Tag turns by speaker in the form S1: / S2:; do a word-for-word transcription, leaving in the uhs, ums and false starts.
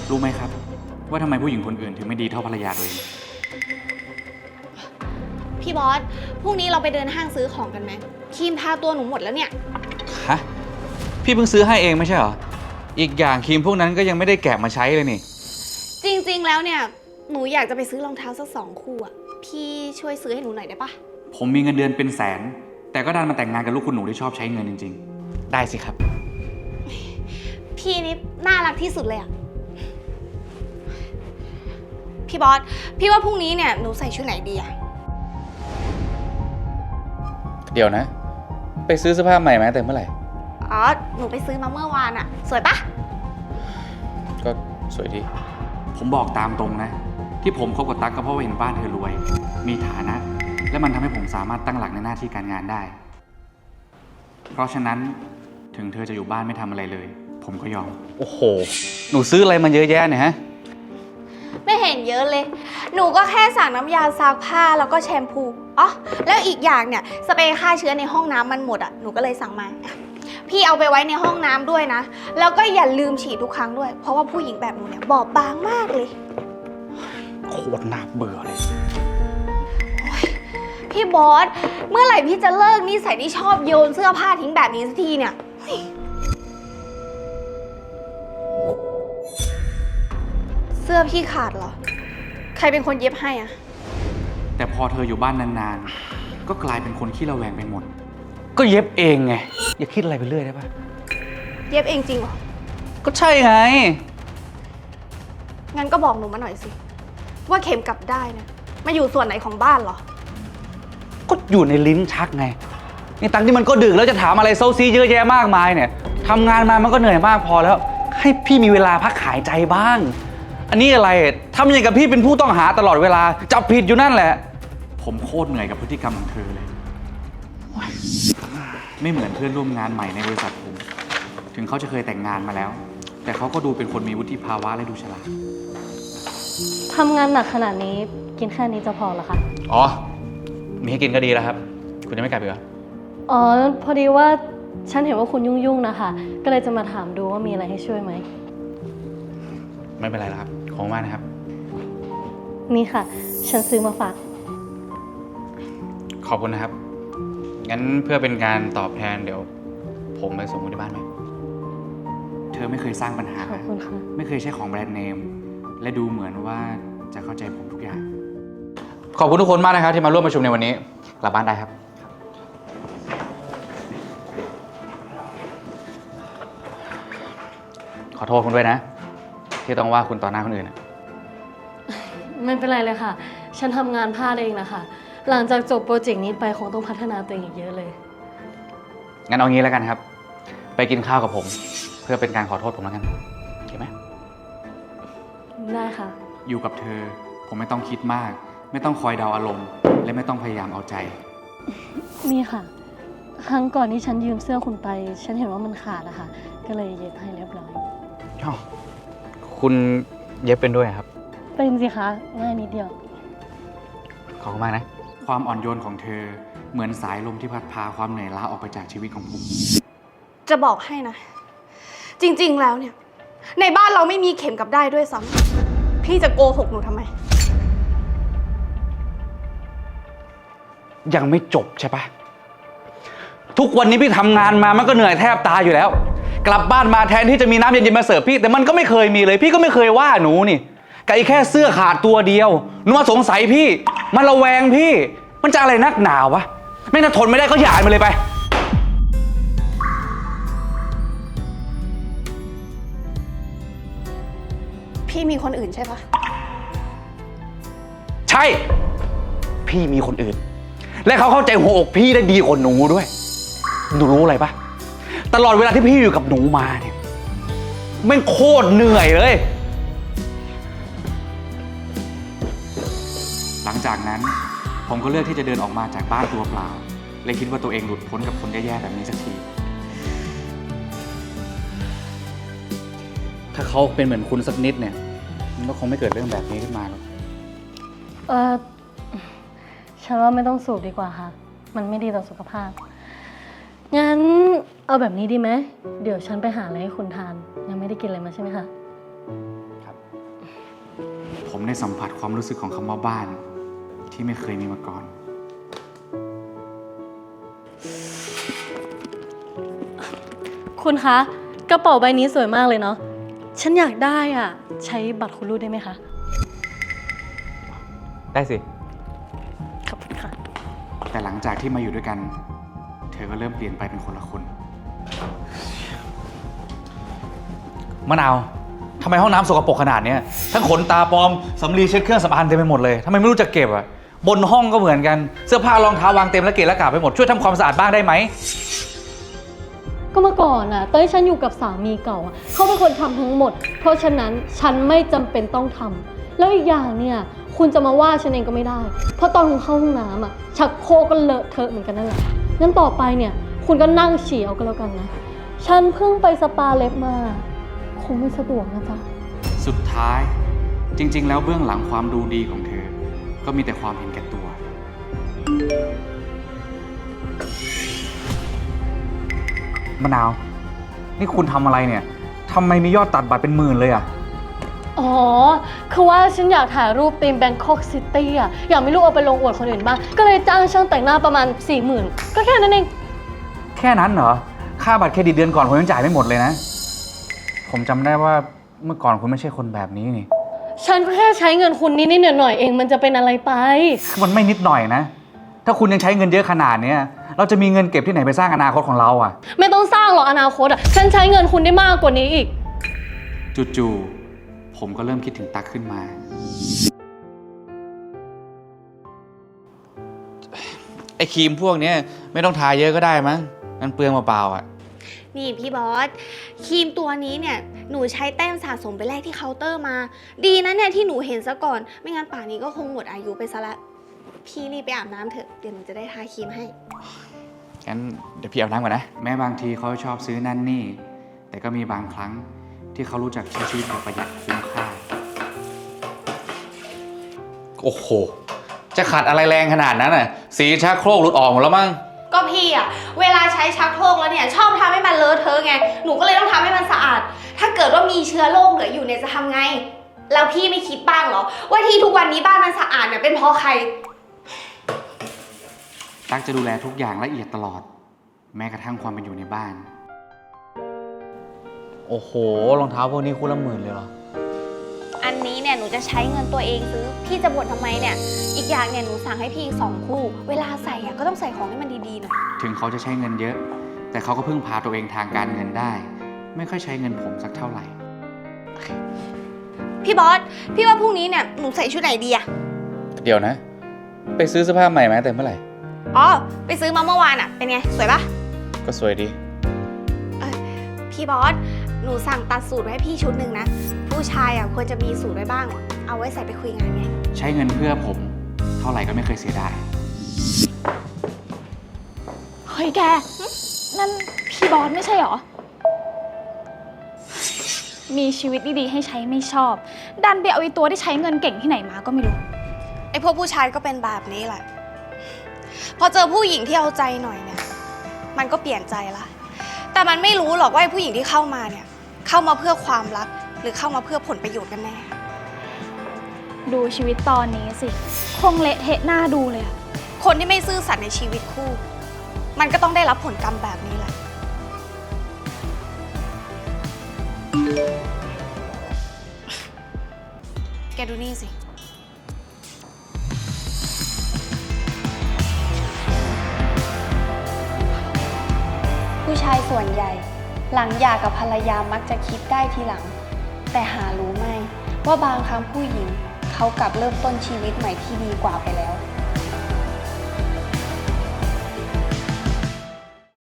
S1: รู้ไหมครับว่าทำไมผู้หญิงคนอื่นถึงไม่ดีเท่าภรรยาตัวเอง
S2: พี่บอสพรุ่งนี้เราไปเดินห้างซื้อของกันไหมครีมทาตัวหนูหมดแล้วเนี่ย
S1: ฮะพี่เพิ่งซื้อให้เองไม่ใช่เหรออีกอย่างครีมพวกนั้นก็ยังไม่ได้แกะมาใช้เลยนี่
S2: จริงๆแล้วเนี่ยหนูอยากจะไปซื้อรองเท้าสักสองคู่อะพี่ช่วยซื้อให้หนูหน่อยได้ปะ
S1: ผมมีเงินเดือนเป็นแสนแต่ก็ดันมาแต่งงานกับลูกคุณหนูที่ชอบใช้เงินจริงๆได้สิครับ
S2: พี่นี่น่ารักที่สุดเลยอะพี่บอสพี่ว่าพรุ่งนี้เนี่ยหนูใส่ชุดไหนดีอะ
S1: เดี๋ยวนะไปซื้อเสื้อผ้าใหม่มาแต่เมื่อไหร่
S2: อ๋อหนูไปซื้อมาเมื่อวานอะสวยปะ
S1: ก็สวยดีผมบอกตามตรงนะที่ผมคบกับตั๊กก็เพราะว่าเห็นบ้านเธอรวยมีฐานะและมันทำให้ผมสามารถตั้งหลักในหน้าที่การงานได้เพราะฉะนั้นถึงเธอจะอยู่บ้านไม่ทำอะไรเลยผมก็ยอมโอ้โหหนูซื้ออะไรมาเยอะแยะเนี่ยฮะ
S2: ไม่เห็นเยอะเลยหนูก็แค่สั่งน้ำยาซักผ้าแล้วก็แชมพูอ๋อแล้วอีกอย่างเนี่ยสเปรย์ฆ่าเชื้อในห้องน้ำมันหมดอ่ะหนูก็เลยสั่งมาพี่เอาไปไว้ในห้องน้ำด้วยนะแล้วก็อย่าลืมฉีดทุกครั้งด้วยเพราะว่าผู้หญิงแบบหนูเนี่ยบอบบางมากเลย
S1: โคตรน่าเบื่อเลย
S2: พี่บอสเมื่อไหร่พี่จะเลิกนิสัยที่ชอบโยนเสื้อผ้าทิ้งแบบนี้สักทีเนี่ยเสื้อพี่ขาดเหรอใครเป็นคนเย็บให้อะ
S1: แต่พอเธออยู่บ้านนานๆก็กลายเป็นคนขี้ระแวงไปหมดก็เย็บเองไงอย่าคิดอะไรไปเรื่อยได้ปะ
S2: เย็บเองจริงเหรอ
S1: ก็ใช่ไง
S2: งั้นก็บอกหนูมาหน่อยสิว่าเข็มกลับได้เนี่ยมาอยู่ส่วนไหนของบ้านเหรอ
S1: ก็อยู่ในลิ้นชักไงนี่ตังที่มันก็ดึกแล้วจะถามอะไรเซาซีเยอะแยะมากมายเนี่ยทำงานมามันก็เหนื่อยมากพอแล้วให้พี่มีเวลาพักหายใจบ้างอันนี้อะไรทำอย่างกับพี่เป็นผู้ต้องหาตลอดเวลาจับผิดอยู่นั่นแหละผมโคตรเหนื่อยกับพฤติกรรมของเธอเลยไม่เหมือนเพื่อนร่วมงานใหม่ในบริษัทผมถึงเขาจะเคยแต่งงานมาแล้วแต่เขาก็ดูเป็นคนมีวุฒิภาวะและดูฉลาด
S3: ทำงานหนักขนาดนี้กินแค่นี้จะพอเหรอคะ
S1: อ๋อมีให้กินก็ดีแล้วครับคุณจะไม่กลับอีกเหรอ
S3: อ๋อพอดีว่าฉันเห็นว่าคุณยุ่งๆนะคะก็เลยจะมาถามดูว่ามีอะไรให้ช่วยไหม
S1: ไม่เป็นไรแล้วครับขอบคุณมากนะครับ
S3: นี่ค่ะฉันซื้อมาฝาก
S1: ขอบคุณนะครับงั้นเพื่อเป็นการตอบแทนเดี๋ยวผมไปส่งคุณที่บ้านไหมเธอไม่เคยสร้างปัญหา
S3: ขอบคุณค่ะ
S1: ไม่เคยใช้ของแบรนด์เนมและดูเหมือนว่าจะเข้าใจผมทุกอย่างขอบคุณทุกคนมากนะครับที่มาร่วมประชุมในวันนี้กลับบ้านได้ครับขอโทษคุณด้วยนะที่ต้องว่าคุณต่อหน้าคนอื่น
S3: ไม่เป็นไรเลยค่ะฉันทำงานพลาดเองนะคะหลังจากจบโปรเจกต์นี้ไปคงต้องพัฒนาตัวเองอีกเยอะเลย
S1: งั้นเอางี้แล้วกันครับไปกินข้าวกับผมเพื่อเป็นการขอโทษผมแล้วกันโอเคไหม
S3: ได้ค่ะ
S1: อยู่กับเธอผมไม่ต้องคิดมากไม่ต้องคอยเดาอารมณ์และไม่ต้องพยายามเอาใจ
S3: นี่ค่ะครั้งก่อนที่ฉันยืมเสื้อคุณไปฉันเห็นว่ามันขาดอะค่ะก็เลยเย็บให้เรียบร้อย
S1: อ๋อคุณเย็บเป็นด้วยครับ
S3: เป็นสิคะง่ายนิดเดียว
S1: ขอบคุณมากนะความอ่อนโยนของเธอเหมือนสายลมที่พัดพาความเหนื่อยล้าออกไปจากชีวิตของผม
S2: จะบอกให้นะจริงๆแล้วเนี่ยในบ้านเราไม่มีเข็มกับได้ด้วยซ้ำพี่จะโกหกหนูทำไม
S1: ยังไม่จบใช่ปะทุกวันนี้พี่ทำงานมามันก็เหนื่อยแทบตายอยู่แล้วกลับบ้านมาแทนที่จะมีน้ำเย็นๆมาเสิร์ฟพี่แต่มันก็ไม่เคยมีเลยพี่ก็ไม่เคยว่าหนูนี่ไก่แค่เสื้อขาดตัวเดียวหนูมาสงสัยพี่มันระแวงพี่มันจะอะไรนักหนาวะไม่ถ้าทนไม่ได้ก็หย่ามันเลยไป
S2: พี่มีคนอื่นใช่ปะ
S1: ใช่พี่มีคนอื่นและเขาเข้าใจหัวอกพี่ได้ดีกว่าหนูด้วยหนูรู้อะไรปะตลอดเวลาที่พี่อยู่กับหนูมาเนี่ยแม่งโคตรเหนื่อยเลยหลังจากนั้นผมก็เลือกที่จะเดินออกมาจากบ้านตัวเปล่าและคิดว่าตัวเองหลุดพ้นกับคนแย่ๆแบบนี้สักทีถ้าเขาเป็นเหมือนคุณสักนิดเนี่ยมันก็คงไม่เกิดเรื่องแบบนี้ขึ้นมาหรอก
S3: เออฉันว่าไม่ต้องสูบดีกว่าค่ะมันไม่ดีต่อสุขภาพงั้นเอาแบบนี้ดีไหมเดี๋ยวฉันไปหาอะไรให้คุณทานยังไม่ได้กินอะไรมาใช่ไหมคะ
S1: ครับ ผมได้สัมผัสความรู้สึกของคำว่าบ้านที่ไม่เคยมีมาก่อน
S3: คุณคะ กระเป๋าใบนี้สวยมากเลยเนาะ ฉันอยากได้อ่ะ ใช้บัตรคุณรูดได้ไหมคะ
S1: ได้สิ
S3: ขอบคุณค่ะ
S1: แต่หลังจากที่มาอยู่ด้วยกัน เธอก็เริ่มเปลี่ยนไปเป็นคนละคน มะนาวทำไมห้องน้ำสกปรกขนาดนี้ทั้งขนตาปลอมสำลีเช็ดเครื่องสำอางเต็มไปหมดเลยทำไมไม่รู้จักเก็บอ่ะบนห้องก็เหมือนกันเสื้อผ้ารองเท้าวางเต็มและเกะระกะไปหมดช่วยทำความสะอาดบ้างได้ไหม
S3: ก็เมื่อก่อนน่ะเต้ยฉันอยู่กับสามีเก่าอะเขาเป็นคนทำทั้งหมด เพราะฉะนั้นฉันไม่จำเป็นต้องทำแล้วอีกอย่างเนี่ยคุณจะมาว่าฉันเองก็ไม่ได้ เพราะตอนคุณเข้าห้องน้ำอ่ะชักโครกก็เลอะเทอะเหมือนกันนั่นแหละงั้นต่อไปเนี่ยคุณก็นั่งฉี่เอาก็แล้วกันนะฉันเพิ่งไปสปาเล็บมาคงไม่สะดวกนะจ๊ะ
S1: สุดท้ายจริงๆ แล้วเบื้องหลังความดูดีของเธอ ก็มีแต่ความเห็นแก่ตัว มะนาว นี่คุณทำอะไรเนี่ยทำไมมียอดตัดบัตรเป็นหมื่นเลยอ่ะ
S3: อ๋อ คือว่าฉันอยากถ่ายรูปธีมแบงคอกซิตี้อ่ะ อยากมีรูปเอาไปลงอวดคนอื่นบ้าง ก็เลยจ้างช่างแต่งหน้าประมาณ สี่หมื่น ก็แค่นั้นเอง
S1: แค่นั้นเหรอ ค่าบัตรเครดิตเดือนก่อนผมยังจ่ายไม่หมดเลยนะ ผมจำได้ว่าเมื่อก่อนคุณไม่ใช่คนแบบนี้นี่
S3: ฉันก็แค่ใช้เงินคุณนิดๆหน่อยๆเองมันจะเป็นอะไรไป
S1: มันไม่นิดหน่อยนะ ถ้าคุณยังใช้เงินเยอะขนาดเนี้ยเราจะมีเงินเก็บที่ไหนไปสร้างอนาคตของเราอ่ะ
S3: ไม่ต้องสร้างหรอกอนาคตอ่ะ ฉันใช้เงินคุณได้มากกว่านี้อีก
S1: จู่ๆผมก็เริ่มคิดถึงตั๊กขึ้นมา ไอ้ครีมพวกนี้ไม่ต้องทาเยอะก็ได้มั้งมันเปลืองเปล่าๆอ่ะ
S2: นี่พี่บอสครีมตัวนี้เนี่ยหนูใช้แต้มสะสมไปแลกที่เคาน์เตอร์มา ดีนะเนี่ยที่หนูเห็นซะก่อนไม่งั้นป่านนี้ก็คงหมดอายุไปซะละพี่รีบไปอาบน้ำเถอะเดี๋ยวหนูจะได้ทาครีมให้
S1: งั้นเดี๋ยวพี่อาบน้ำก่อนนะ แม้บางทีเขาชอบซื้อนั่นนี่ แต่ก็มีบางครั้งที่เขารู้จักใช้ชีวิตแบบประหยัดคุ้มค่า โอ้โห จะขัดอะไรแรงขนาดนั้นอ่ะ สีชักโครกหลุดออกหมดแล้วมั้ง
S2: ก็พี่อะเวลาใช้ชักโครกแล้วเนี่ยชอบทำให้มันเลอะเทอะไงหนูก็เลยต้องทำให้มันสะอาด ถ้าเกิดว่ามีเชื้อโรคเหลืออยู่เนี่ยจะทำไง แล้วพี่ไม่คิดบ้างเหรอว่าที่ทุกวันนี้บ้านมันสะอาดเนี่ยเป็นเพราะใคร
S1: ตั๊กจะดูแลทุกอย่างละเอียดตลอด แม้กระทั่งความเป็นอยู่ในบ้าน โอ้โห รองเท้าพวกนี้คู่ละหมื่นเลยเหรอ
S2: อันนี้เนี่ยหนูจะใช้เงินตัวเองซื้อพี่จะบ่นทำไมเนี่ยอีกอย่างเนี่ยหนูสั่งให้พี่อีกสองคู่ เวลาใส่อะก็ต้องใส่ของให้มันดีๆหน่อย
S1: ถึงเขาจะใช้เงินเยอะ แต่เขาก็พึ่งพาตัวเองทางการเงินได้ ไม่ค่อยใช้เงินผมสักเท่าไหร่
S2: พี่บอสพี่ว่าพรุ่งนี้เนี่ยหนูใส่ชุดไหนดีอะ
S1: เดี๋ยวนะ ไปซื้อเสื้อผ้าใหม่มาแต่เมื่อไหร่
S2: อ๋อไปซื้อมาเมื่อวานอะเป็นไงสวยปะ
S1: ก็สวยดี
S2: พี่บอสหนูสั่งตัดสูตรไว้ให้พี่ชุดหนึ่งนะผู้ชายอะควรจะมีสูตรไว้บ้าง เอาไว้ใส่ไปคุยงานไง
S1: ใช้เงินเพื่อผม เท่าไหร่ก็ไม่เคยเสียดาย
S4: เฮ้ยแก นั่นพี่บอสไม่ใช่หรอ มีชีวิตดีๆให้ใช้ไม่ชอบ ดันไปเอาไอ้ตัวที่ใช้เงินเก่งที่ไหนมาก็ไม่รู้
S2: ไอพวกผู้ชายก็เป็นแบบนี้แหละ พอเจอผู้หญิงที่เอาใจหน่อยเนี่ย มันก็เปลี่ยนใจละ แต่มันไม่รู้หรอกว่าไอผู้หญิงที่เข้ามาเนี่ย เข้ามาเพื่อความรัก หรือเข้ามาเพื่อผลประโยชน์กันแน่
S4: ดูชีวิตตอนนี้สิ คงเละเทะหน้าดูเลยอะ
S2: คนที่ไม่ซื่อสัตย์ในชีวิตคู่ มันก็ต้องได้รับผลกรรมแบบนี้แหละ แกดูนี่สิ ผู้ชายส่วนใหญ่ หลังหย่ากับภรรยามักจะคิดได้ทีหลัง แต่หารู้ไหมว่าบางครั้งผู้หญิงเขากลับเริ่มต้นชีวิตใหม่ที่ดีกว่าไปแล้ว